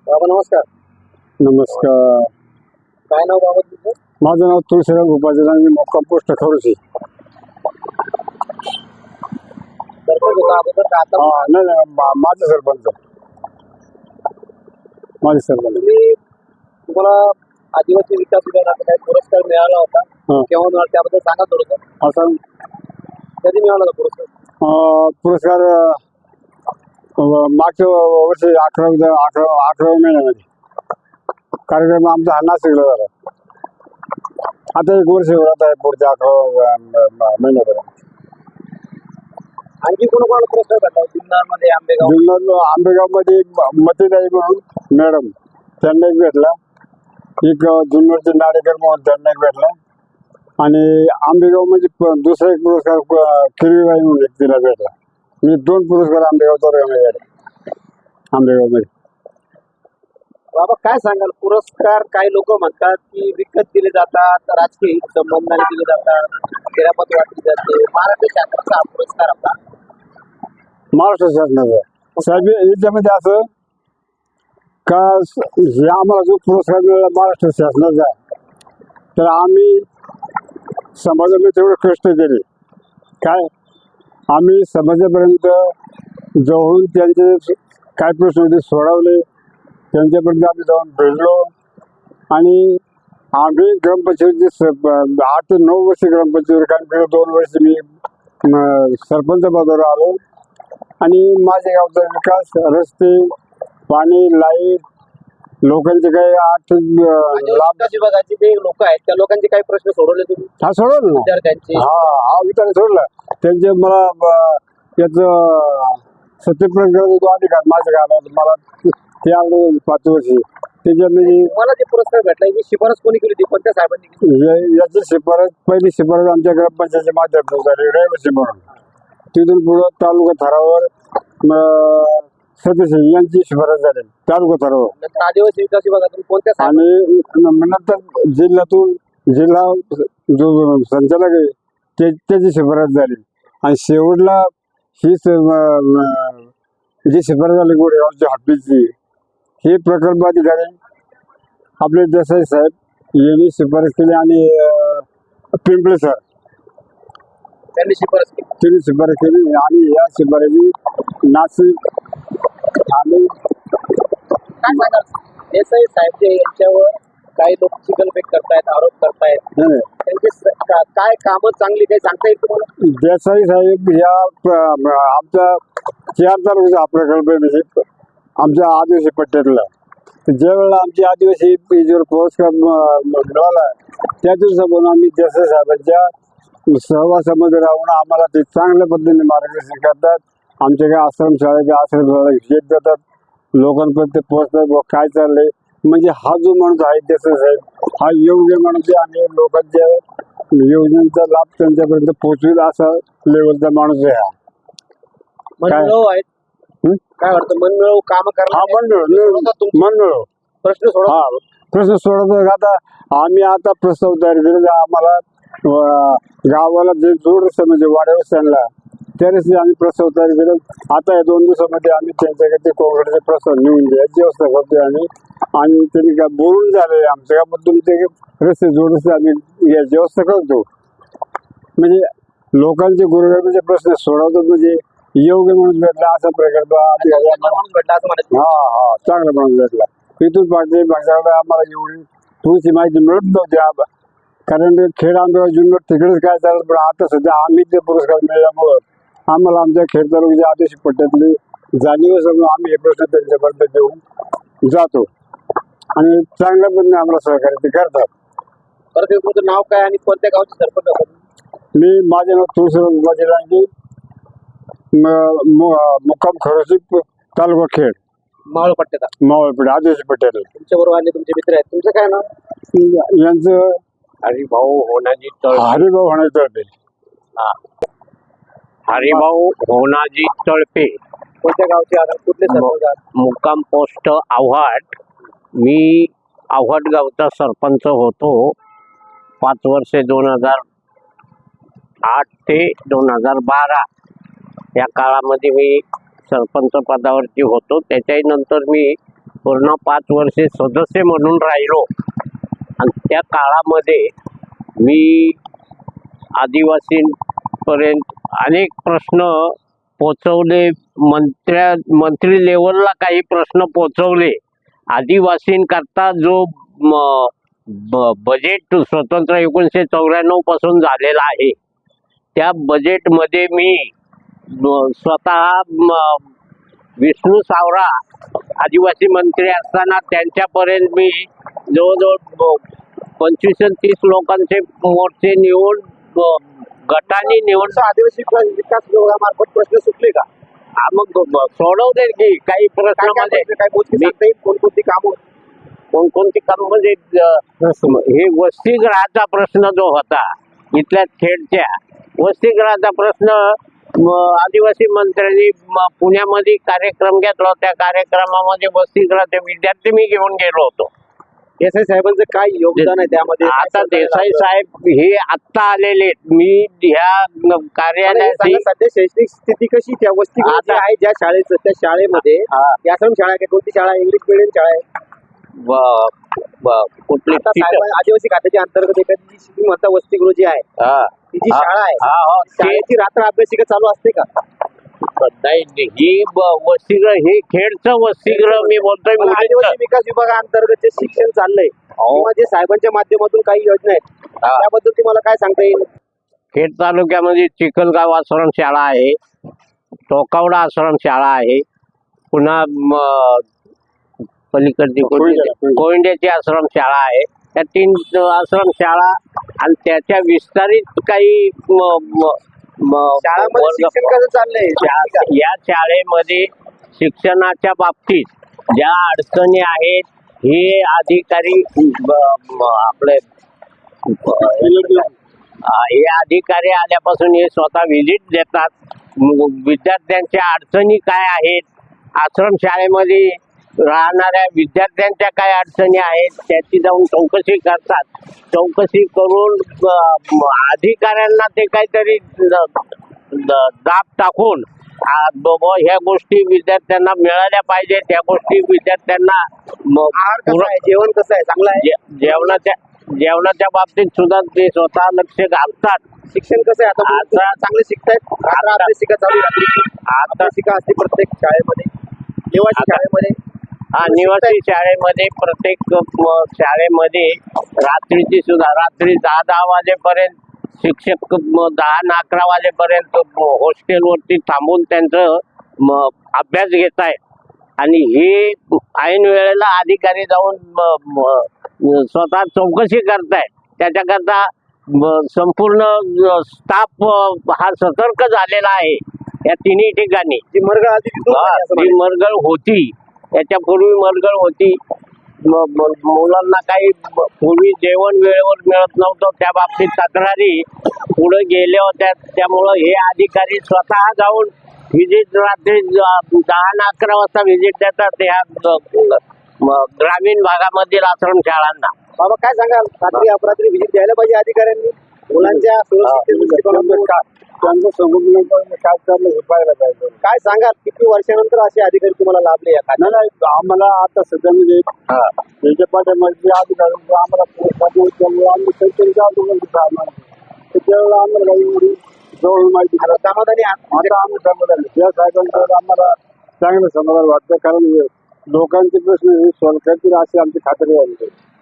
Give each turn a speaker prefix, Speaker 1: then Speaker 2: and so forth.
Speaker 1: बाबा नमस्कार.
Speaker 2: नमस्कार.
Speaker 1: काय नाव बाबा तुमचं?
Speaker 2: माझं नाव तुळशीराम उपाध्याय, मुक्काम पोस्ट खरोशी.
Speaker 1: सरपंच होता अगोदर का आता?
Speaker 2: नाही नाही, माझं सरपंच. माझे सरपंच.
Speaker 1: तुम्हाला आदिवासी विकास विभागाचा काही पुरस्कार मिळाला होता, केव्हा मिळाला त्याबद्दल सांगा थोडंसं.
Speaker 2: असा
Speaker 1: कधी मिळाला होता पुरस्कार?
Speaker 2: पुरस्कार मागच्या वर्षी 11 महिन्यामध्ये कार्यक्रम आमचा हा नाशिकला झाला. आता 1 वर्ष होत आहे, पुढच्या 11 महिन्यापर्यंत.
Speaker 1: आणखी कोणाकोणाला पुरस्कार भेटला? जुन्नरमध्ये
Speaker 2: आंबेगावमध्ये मतीताई म्हणून मॅडम, त्यांना एक भेटला. एक जुन्नरचे नाडेकर म्हणून त्यांना एक भेटला. आणि आंबेगावमध्ये दुसरा एक पुरस्कार किरवीबाई म्हणून एक तिला भेटला. मी 2 पुरस्कार आंबेगाव तालुक्यामध्ये भेटले. आंबेगावमध्ये.
Speaker 1: बाबा काय सांगाल, पुरस्कार काही लोक म्हणतात की विकत दिले जातात, राजकीय संबंधाने दिले जातात, खेळापत वाटली जाते. महाराष्ट्र शासनाचा हा पुरस्कार आपला
Speaker 2: महाराष्ट्र शासनाचा साहेब, याच्यामध्ये असं का हे आम्हाला जो पुरस्कार मिळाला महाराष्ट्र शासनाचा, तर आम्ही समाजामध्ये तेवढे कष्ट केले. काय आम्ही समाजापर्यंत जवळून त्यांचे काय प्रश्न होते सोडवले, त्यांच्यापर्यंत आम्ही जाऊन भेटलो. आणि आम्ही ग्रामपंचायतीचे 8 ते 9 वर्ष ग्रामपंचायतीवर काम केलं. 2 वर्ष मी सरपंच पदावर आलो. आणि माझ्या गावचा विकास, रस्ते, पाणी, लाईट, लोकांचे काही
Speaker 1: लाभ विभागाचे जे लोक आहेत त्या लोकांचे काही प्रश्न सोडवले तुम्ही?
Speaker 2: हा सोडवलं ना.
Speaker 1: विद्यार्थ्यांचे
Speaker 2: हा विचार सोडला. त्यांचे मला याचं सत्यप्रयोग करायचा अधिकार माझ्या गावात मला ते आवडलं 5 वर्षी. त्याच्यामध्ये
Speaker 1: मला जे पुरस्कार भेटला याची शिफारस कोणी केली होती? कोणत्या साहेबांनी केली?
Speaker 2: याची शिफारस, पहिली शिफारस आमच्या ग्रामपंचायतीच्या माध्यमातून झाली, रहिवासी म्हणून. तिथून पुढं तालुका थरावर सदस्य यांची शिफारस झाली तालुका थरावर.
Speaker 1: नंतर आदिवासी विकास विभागातून कोणत्या
Speaker 2: आणि नंतर जिल्ह्यातून जिल्हा जो संचालक आहे त्याची शिफारस झाली. आणि शेवटला ही जी शिफारस झाली गोरेगावच्या हॉस्पिटलची, हे प्रकल्प अधिकारी आपले देसाई साहेब यांनी शिफारस केली. आणि पिंपळे सर
Speaker 1: त्यांनी शिफारस केली.
Speaker 2: त्यांनी शिफारस केली. आणि या शिफारसी नाशिक आणि
Speaker 1: काय सांगाल देसाई साहेब जे यांच्यावर काही लोक चिखलफेक करतायत, आरोप करतायत, त्यांचे काय कामं चांगली काही सांगता येईल तुम्हाला?
Speaker 2: देसाई साहेब या आमच्या 4 तालुक्याचा हा प्रकल्प आहे, म्हणजे आमच्या आदिवासी पट्ट्यातला. ज्या वेळेला आमची आदिवासी याच्यावर पुरस्कार मिळाला, त्या दिवसापासून आम्ही देसाई साहेबांच्या सहवासामध्ये राहून आम्हाला ते चांगल्या पद्धतीने मार्गदर्शन करतात. आमच्या काही आश्रमशाळेच्या आश्रमशाळा भेट देतात, लोकांपर्यंत पोहोचतात काय चाललंय. म्हणजे हा जो माणूस आहे देसाई साहेब, हा योग्य माणूस आहे आणि लोकांच्या योजनेचा लाभ त्यांच्यापर्यंत पोहोचवेल असा लेवलचा माणूस आहे. हा
Speaker 1: मनमिळव आहेत. काय वाटतं मनमिळव काम करा?
Speaker 2: मनमिळव
Speaker 1: प्रश्न सोडा.
Speaker 2: प्रश्न सोडवतो. आता आम्ही आता प्रस्ताव तयार केले. आम्हाला गावाला जे जोड रस्ता म्हणजे वाड्या वस्त्यांना त्या रस्ते आम्ही प्रस्ताव तयार केले. आता या 2 दिवसामध्ये आम्ही त्यांच्याकडे कोकणाचे प्रस्ताव लिहून द्यायची व्यवस्था करतोय. आणि त्यांनी काय बोलून झाले आमच्या गावातून ते रस्ते जोड रस्ते आम्ही याची व्यवस्था करतो. म्हणजे लोकांचे गुरुगावीचे प्रश्न सोडवतो. म्हणजे योग्य माणूस भेटला असा प्रकल्प
Speaker 1: भेटला असं म्हणायचं.
Speaker 2: चांगला माणूस भेटला. तिथून पाठचे भाषाला आम्हाला एवढी थोडीशी माहिती मिळत नव्हती. कारण खेड आमच्या जुन्नर तिकडेच काय चालत. पण आता सध्या आम्ही ते पुरस्कार मिळाल्यामुळं आम्हाला आमच्या खेड तालुक्याच्या आदिवासी पट्ट्यातली जाणीव समजून आम्ही हे प्रश्न त्यांच्यापर्यंत देऊन जातो. आणि चांगल्या पद्धतीने आम्हाला सहकार्य ते करतात.
Speaker 1: परत तुमचं नाव काय आणि कोणत्या गावचे सरपंच आहात?
Speaker 2: माझे नाव तुळशीराम उपाध्याय, मुक्काम खरोशी, तालुका खेड, मावळपेठ आदिवासी पट्ट्यात.
Speaker 1: तुमच्या बरोबर आले तुमचे मित्र आहेत. तुमचं काय नाव?
Speaker 2: यांचं
Speaker 1: हरिभाऊ होनाजी तळपे.
Speaker 2: हरिभाऊ होनाजी तळपे.
Speaker 3: हरिभाऊ होनाजी तळपे.
Speaker 1: कोणत्या गावचे आहात? कुठले सरपंच?
Speaker 3: मुक्काम पोस्ट आव्हाड. मी आव्हाड गावचा सरपंच होतो 5 वर्षे 2008 ते 2012 या काळामध्ये मी सरपंच पदावरती होतो. त्याच्याही नंतर मी पूर्ण 5 वर्षे सदस्य म्हणून राहिलो आणि त्या काळामध्ये मी आदिवासींपर्यंत अनेक प्रश्न पोचवले. मंत्री लेवलला काही प्रश्न पोचवले. आदिवासींकरता जो बजेट स्वतंत्र 1994 पासून झालेला आहे त्या बजेटमध्ये मी स्वतः विष्णू सावरा आदिवासी मंत्री असताना त्यांच्यापर्यंत मी जवळजवळ 25-30 लोकांचे मोर्चे निवडून गटाने निवडून
Speaker 1: आदिवासी विकास विभागामार्फत प्रश्न सुटले का?
Speaker 3: मग सोडवले की काही प्रश्नामध्ये
Speaker 1: काय गोष्टी सांगता येईल? कोणकोणती कामं?
Speaker 3: कोणकोणती काम म्हणजे हे वसतिगृहाचा प्रश्न जो होता इथल्या खेडच्या वसतिगृहाचा प्रश्न आदिवासी मंत्र्यांनी पुण्यामध्ये कार्यक्रम घेतला. त्या कार्यक्रमामध्ये वसतिगृहाचे विद्यार्थी मी घेऊन गेलो होतो.
Speaker 1: देसाई साहेबांचं काय योगदान आहे त्यामध्ये?
Speaker 3: आता देसाई साहेब हे आत्ता आलेले आहेत. मी ह्या कार्यालयाची
Speaker 1: सध्या शैक्षणिक स्थिती कशी त्या वसतिगृहाची आहे ज्या शाळेचं त्या शाळेमध्ये आश्रम शाळा आहे? कोणती शाळा? इंग्लिश मिडियम शाळा आहे?
Speaker 3: कुठली
Speaker 1: आदिवासी खात्याच्या अंतर्गत एखादी तुम्ही म्हणता वसतिगृह जी आहे ती जी शाळा आहे शाळेची रात्र अभ्यासिका चालू असते का?
Speaker 3: नाही ही वसतिगृह हे खेडचं वसतिगृह मी बोलतोय.
Speaker 1: आदिवासी विकास विभागाअंतर्गत जे शिक्षण चाललंय किंवा जे साहेबांच्या माध्यमातून काही योजना आहेत त्याबद्दल तुम्हाला काय सांगता येईल?
Speaker 3: खेड तालुक्यामध्ये चिखलगाव आश्रम शाळा आहे, टोकावडा आश्रम शाळा आहे, पुन्हा पलीकडची कोयंड्याची आश्रम शाळा आहे. त्या 3 आश्रम शाळा आणि त्याच्या विस्तारित काही
Speaker 1: शाळांमध्ये शिक्षण कसं चाललंय?
Speaker 3: या शाळेमध्ये शिक्षणाच्या बाबतीत ज्या अडचणी आहेत हे अधिकारी आपले हे अधिकारी आल्यापासून हे स्वतः व्हिजिट देतात. विद्यार्थ्यांच्या अडचणी काय आहेत, आश्रम शाळेमध्ये राहणाऱ्या विद्यार्थ्यांच्या काय अडचणी आहेत त्याची जाऊन चौकशी करतात. चौकशी करून अधिकाऱ्यांना ते काहीतरी दाब टाकून ह्या गोष्टी विद्यार्थ्यांना मिळाल्या पाहिजे. त्या गोष्टी विद्यार्थ्यांना
Speaker 1: जेवण कसं आहे? चांगलं आहे?
Speaker 3: जेवणाच्या बाबतीत सुद्धा ते स्वतः लक्ष घालतात.
Speaker 1: शिक्षण कसं आहे? आता चांगले शिकतायत? अभ्यासिका चालू अभ्यासिका असते प्रत्येक शाळेमध्ये, निवासी शाळेमध्ये.
Speaker 3: निवासी शाळेमध्ये प्रत्येक शाळेमध्ये रात्रीची सुद्धा रात्री 10 वाजेपर्यंत शिक्षक 10-11 वाजेपर्यंत हॉस्टेलवरती थांबून त्यांचं अभ्यास घेत आहेत. आणि हे ऐन वेळेला अधिकारी जाऊन स्वतः चौकशी करतायत. त्याच्याकरता संपूर्ण स्टाफ हा सतर्क झालेला आहे या 3 ठिकाणी.
Speaker 1: जी
Speaker 3: मरगळ होती याच्यापूर्वी मरगळ होती. मुलांना काही पूर्वी जेवण वेळेवर मिळत नव्हतं त्या बाबतीत तक्रारी पुढे गेल्या होत्या. त्यामुळं हे अधिकारी स्वतः जाऊन व्हिजिट रात्री 10-11 वाजता व्हिजिट देतात या ग्रामीण भागामधील आश्रम शाळांना.
Speaker 1: बाबा काय सांगाल? रात्री अपरात्री व्हिजिट द्यायला पाहिजे अधिकाऱ्यांनी मुलांच्या सुरक्षिततेच्या
Speaker 2: त्यांचं संघटन काय चाललं हे पाहायला पाहिजे.
Speaker 1: काय सांगाल? किती वर्षानंतर असे अधिकारी तुम्हाला लाभले या खात्यात?
Speaker 2: नाही आम्हाला आता सध्या म्हणजे त्याच्या पाठ्यामध्ये अधिकारी आम्हाला त्यामुळे आम्ही त्यावेळेला आम्हाला काही एवढी जवळ माहिती
Speaker 1: समाधानी
Speaker 2: आता आम्ही समाधानी या साहेबांकडे आम्हाला चांगलं समाधान वाटतं. कारण लोकांचे प्रश्न हे सॉल्व्ह करतील अशी आमची खात्री आहे.